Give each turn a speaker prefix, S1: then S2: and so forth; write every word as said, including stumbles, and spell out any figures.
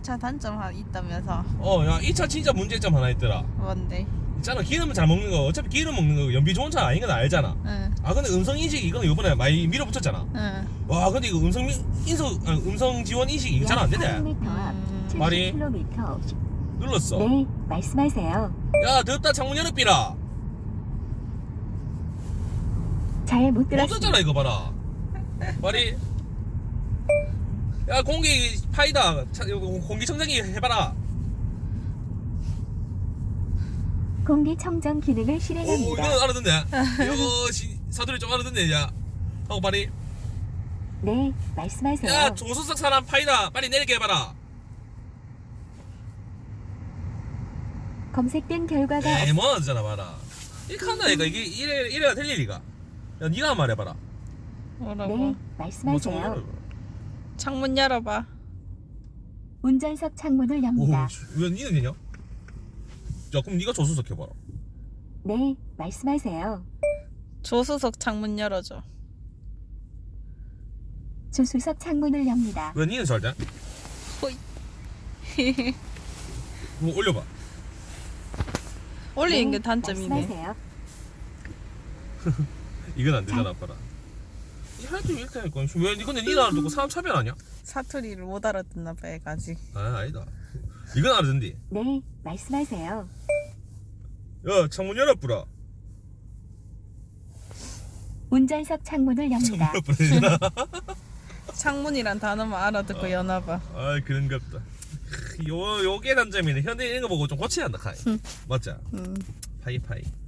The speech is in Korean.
S1: 차 단점 하나 있다면서.
S2: 어, 야, 이 차 진짜 문제점 하나 있더라.
S1: 뭔데?
S2: 있잖아, 기름을 잘 먹는 거, 어차피 기름 먹는 거 연비 좋은 차 아닌 건 알잖아.
S1: 응.
S2: 아, 근데 음성 인식 이거는 이번에 많이 밀어붙였잖아.
S1: 응.
S2: 와, 근데 이거 음성 미- 인수 아니, 음성 지원 인식 이거 잘 안 되네.
S1: 음.
S2: 말이?
S3: 칠십 킬로미터.
S2: 눌렀어.
S3: 네, 말씀하세요.
S2: 야, 더럽다, 창문 열어삐라.
S3: 잘 못
S2: 못
S3: 들었습니다.
S2: 썼잖아, 이거 봐라. 말이. 야, 공기 파이다. 차, 이거 공기청정기 해봐라.
S3: 공기청정 기능을
S2: 오,
S3: 실행합니다.
S2: 이거 알아듣네. 이거 시- 사투리 좀 알아듣네, 야. 하고 말이.
S3: 네, 말씀하세요.
S2: 야, 조수석 사람 파이다. 빨리 내리게 해봐라.
S3: 검색된 결과가
S2: 에이, 뭐 하잖아, 봐라. 이렇게 한다, 이거. 이게 이래, 이래가 될 일이가. 야, 니가 한번 말해봐라.
S1: 뭐라고?
S3: 네,
S2: 뭐
S3: 말씀하세요.
S2: 창문
S1: 창문 열어봐.
S3: 운전석 창문을
S2: 오,
S3: 엽니다.
S2: 왜 니는 되냐? 야, 그럼 니가 조수석 해봐라.
S3: 네, 말씀하세요.
S1: 조수석 창문 열어줘.
S3: 조수석 창문을 엽니다.
S2: 왜 니는 잘 돼?
S1: 호이.
S2: 뭐 올려봐.
S1: 올리는
S3: 네,
S1: 게 단점이네.
S3: 말씀하세요.
S2: 이건 안 되잖아, 아빠라. 이 하여튼 이렇게 하니까. 왜, 니 근데 니는 알아듣고 사람 차별 아니야?
S1: 사투리를 못 알아듣나 봐, 얘가 아직.
S2: 아, 아니다. 이건 알아듣는디.
S3: 네, 말씀하세요.
S2: 야, 창문 열어뿌라.
S3: 운전석 창문을 엽니다.
S2: 열어뿌라.
S1: 창문이란 단어만 알아듣고 여나 봐.
S2: 아, 그런갑다. 요, 요게 단점이네. 현대 이런 거 보고 좀 고쳐야 한다, 카이. 맞자?
S1: 음.
S2: 파이, 파이.